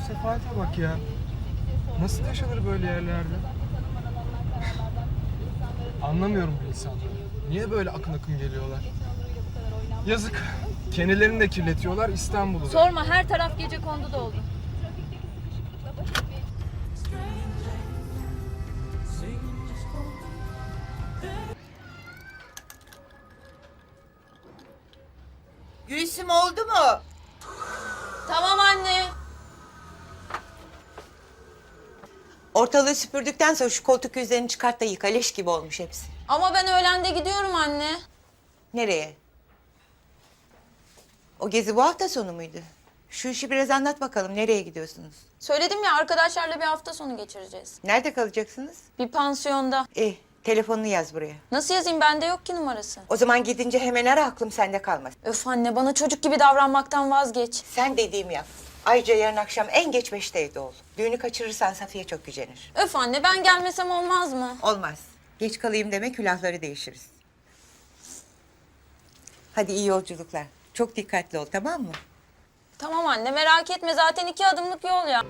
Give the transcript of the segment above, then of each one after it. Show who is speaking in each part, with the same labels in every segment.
Speaker 1: sefalete bak ya. Nasıl yaşanır böyle yerlerde? Anlamıyorum bu insanları. Niye böyle akın akın geliyorlar? Yazık. Kendilerini de kirletiyorlar İstanbul'u da.
Speaker 2: Sorma, her taraf gecekondu doldu.
Speaker 3: Gülsüm oldu mu?
Speaker 2: Tamam anne.
Speaker 3: Ortalığı süpürdükten sonra şu koltuk yüzlerini çıkart da yıka. Leş gibi olmuş hepsi.
Speaker 2: Ama ben öğlende gidiyorum anne.
Speaker 3: Nereye? O gezi bu hafta sonu muydu? Şu işi biraz anlat bakalım. Nereye gidiyorsunuz?
Speaker 2: Söyledim ya, arkadaşlarla bir hafta sonu geçireceğiz.
Speaker 3: Nerede kalacaksınız?
Speaker 2: Bir pansiyonda.
Speaker 3: Telefonunu yaz buraya.
Speaker 2: Nasıl yazayım, bende yok ki numarası.
Speaker 3: O zaman gidince hemen ara, aklım sende kalmaz.
Speaker 2: Öf anne, bana çocuk gibi davranmaktan vazgeç.
Speaker 3: Sen dediğimi yap. Ayrıca yarın akşam en geç 5'te evde ol. Düğünü kaçırırsan Safiye çok gücenir.
Speaker 2: Öf anne, ben gelmesem olmaz mı?
Speaker 3: Olmaz. Geç kalayım deme, külahları değişiriz. Hadi iyi yolculuklar. Çok dikkatli ol, tamam mı?
Speaker 2: Tamam anne, merak etme, zaten 2 adımlık yol ya.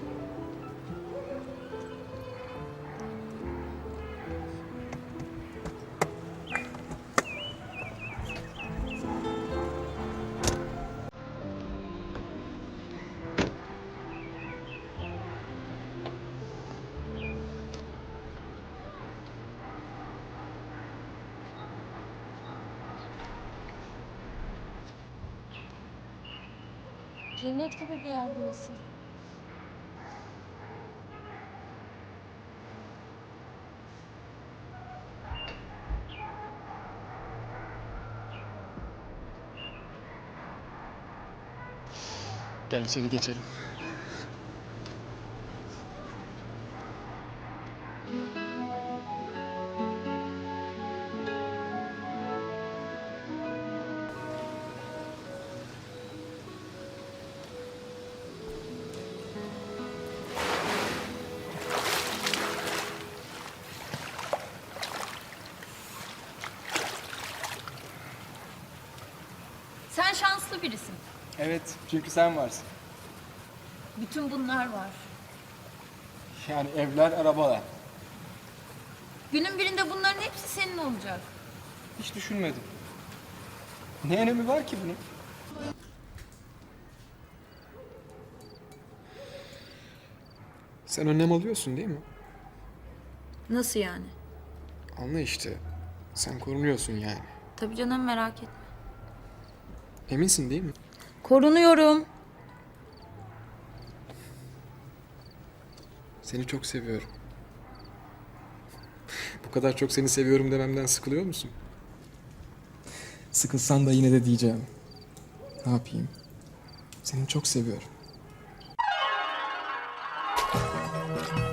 Speaker 2: Cennet gibi bir yer burası.
Speaker 1: Gel içeri geçelim.
Speaker 2: Sen şanslı birisin.
Speaker 1: Evet, çünkü sen varsın.
Speaker 2: Bütün bunlar var.
Speaker 1: Yani evler, arabalar.
Speaker 2: Günün birinde bunların hepsi senin olacak.
Speaker 1: Hiç düşünmedim. Ne önemi var ki bunun? Sen önlem alıyorsun değil mi?
Speaker 2: Nasıl yani?
Speaker 1: Anla işte. Sen korunuyorsun yani.
Speaker 2: Tabii canım, merak etme.
Speaker 1: Eminsin değil mi?
Speaker 2: Korunuyorum.
Speaker 1: Seni çok seviyorum. Bu kadar çok seni seviyorum dememden sıkılıyor musun? Sıkılsan da yine de diyeceğim. Ne yapayım? Seni çok seviyorum.